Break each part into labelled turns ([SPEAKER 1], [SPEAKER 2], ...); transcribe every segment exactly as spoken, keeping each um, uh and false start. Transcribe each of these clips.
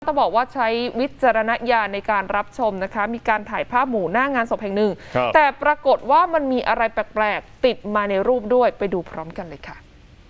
[SPEAKER 1] ต้องบอกว่าใช้วิจารณญาณในการรับชมนะคะมีการถ่ายภาพหมู่หน้างานศพแห่งหนึ่งแต่ปรากฏว่ามันมีอะไรแปลกๆติดมาในรูปด้วยไปดูพร้อมกันเลยค่ะ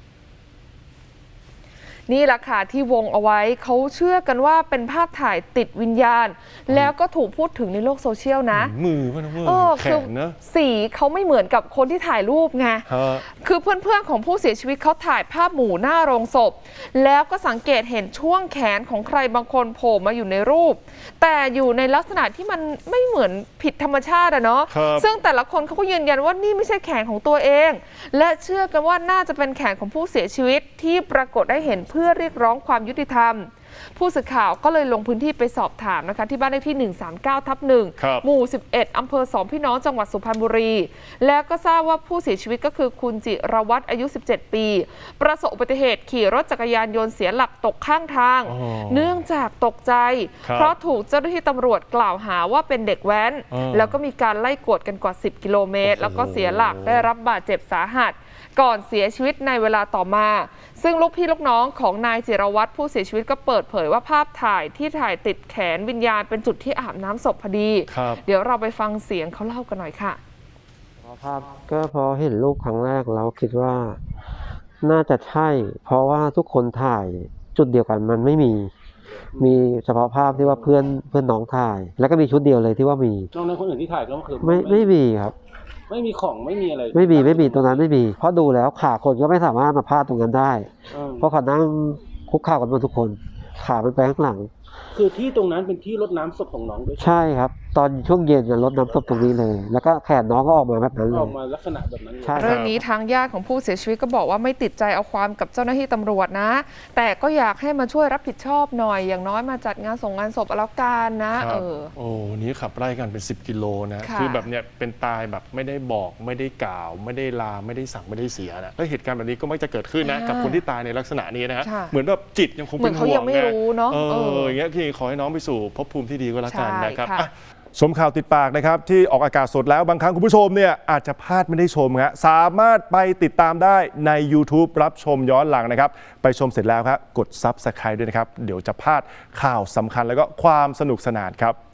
[SPEAKER 1] นี่แหละค่ะที่วงเอาไว้เขาเชื่อกันว่าเป็นภาพถ่ายติดวิญญาณแล้วก็ถูกพูดถึงในโลกโซเชียลนะ
[SPEAKER 2] มือมันมือแข็งนะ
[SPEAKER 1] สีเขาไม่เหมือนกับคนที่ถ่ายรูปไงคือเพื่อนๆของผู้เสียชีวิตเขาถ่ายภาพหมู่หน้าโรงศพแล้วก็สังเกตเห็นช่วงแขนของใครบางคนโผล่มาอยู่ในรูปแต่อยู่ในลักษณะที่มันไม่เหมือนผิดธรรมชาติอะเนาะซึ่งแต่ละคนเขาก็ยืนยันว่านี่ไม่ใช่แขนของตัวเองและเชื่อกันว่าน่าจะเป็นแขนของผู้เสียชีวิตที่ปรากฏได้เห็นเพื่อเรียกร้องความยุติธรรมผู้สื่อข่าวก็เลยลงพื้นที่ไปสอบถามนะคะที่บ้านเลขที่หนึ่งสามเก้าทับหนึ่งหมู่สิบเอ็ดอำเภอสองพี่น้องจังหวัดสุพรรณบุรีแล้วก็ทราบว่าผู้เสียชีวิตก็คือคุณจิรวัตรอายุสิบเจ็ดปีประสบอุบัติเหตุขี่รถจักรยานยนต์เสียหลักตกข้างทางเนื่องจากตกใจเพราะถูกเจ้าหน้าที่ตำรวจกล่าวหาว่าเป็นเด็กแว้นแล้วก็มีการไล่กวดกันกว่าสิบกิโลเมตรแล้วก็เสียหลักได้รับบาดเจ็บสาหัสก่อนเสียชีวิตในเวลาต่อมาซึ่งลูกพี่ลูกน้องของนายจิรวัตรผู้เสียชีวิตก็เปิดเผยว่าภาพถ่ายที่ถ่ายติดแขนวิญญาณเป็นจุดที่อาบน้ำศพพอดีเดี๋ยวเราไปฟังเสียงเขาเล่ากันหน่อยค่ะ
[SPEAKER 3] ภาพก็พอเห็นรูปครั้งแรกเราคิดว่าน่าจะใช่เพราะว่าทุกคนถ่ายจุดเดียวกันมันไม่มีมีเฉพาะภาพที่ว่าเพื่อนเพื่อนน้องถ่ายแล้วก็มีชุดเดียวเลยที่ว่ามี
[SPEAKER 4] นอกนั้นคนอื่นที่ถ่ายก็คือ
[SPEAKER 3] ไม่ไม่มีครับ
[SPEAKER 4] ไม่มีของไม่มีอะไร
[SPEAKER 3] ไม่มีไม่มีตรงนั้นไม่มีเพราะดูแล้วขาคนก็ไม่สามารถมาพาดตรงนั้นได้เพราะเขานั่งคุกเข่ากันหมดทุกคนขาเป็นไปข้างหลัง
[SPEAKER 4] คือที่ตรงนั้นเป็นที่รดน้ำศพของน้องด้วย
[SPEAKER 3] ใช่ครับตอนช่วงเย็นจะรดน้ำศพตรงนี้เลยแล้วก็แขนน้องก็ออกมาแบบนั้นเลย
[SPEAKER 4] ออกมาลักษณะแบบนั้น
[SPEAKER 1] เรื่องนี้ทางญาติของผู้เสียชีวิตก็บอกว่าไม่ติดใจเอาความกับเจ้าหน้าที่ตำรวจนะแต่ก็อยากให้มาช่วยรับผิดชอบหน่อยอย่างน้อยมาจัดงานส่งงานศพแล้วกันนะเออ
[SPEAKER 2] โอ้นี้ขับไล่กันเป็นสิบกิโลนะคือแบบเนี้ยเป็นตายแบบไม่ได้บอกไม่ได้กล่าวไม่ได้ลาไม่ได้สั่งไม่ได้เสียนะแล้วเหตุการณ์แบบนี้ก็มักจะเกิดขึ้นนะกับคนที่ตายในลักษณะนี้นะฮะเหมือนแบบจิตยังคงเป็นห่วงนะเอออย่างเงี้ยพี่ขอให้น้องไปสู่ภพภูมิที่ดีก็แล้วกันนะครับชมข่าวติดปากนะครับที่ออกอากาศสดแล้วบางครั้งคุณผู้ชมเนี่ยอาจจะพลาดไม่ได้ชมฮะสามารถไปติดตามได้ใน YouTube รับชมย้อนหลังนะครับไปชมเสร็จแล้วครับกด ซับสไครบ์ ด้วยนะครับเดี๋ยวจะพลาดข่าวสำคัญแล้วก็ความสนุกสนานครับ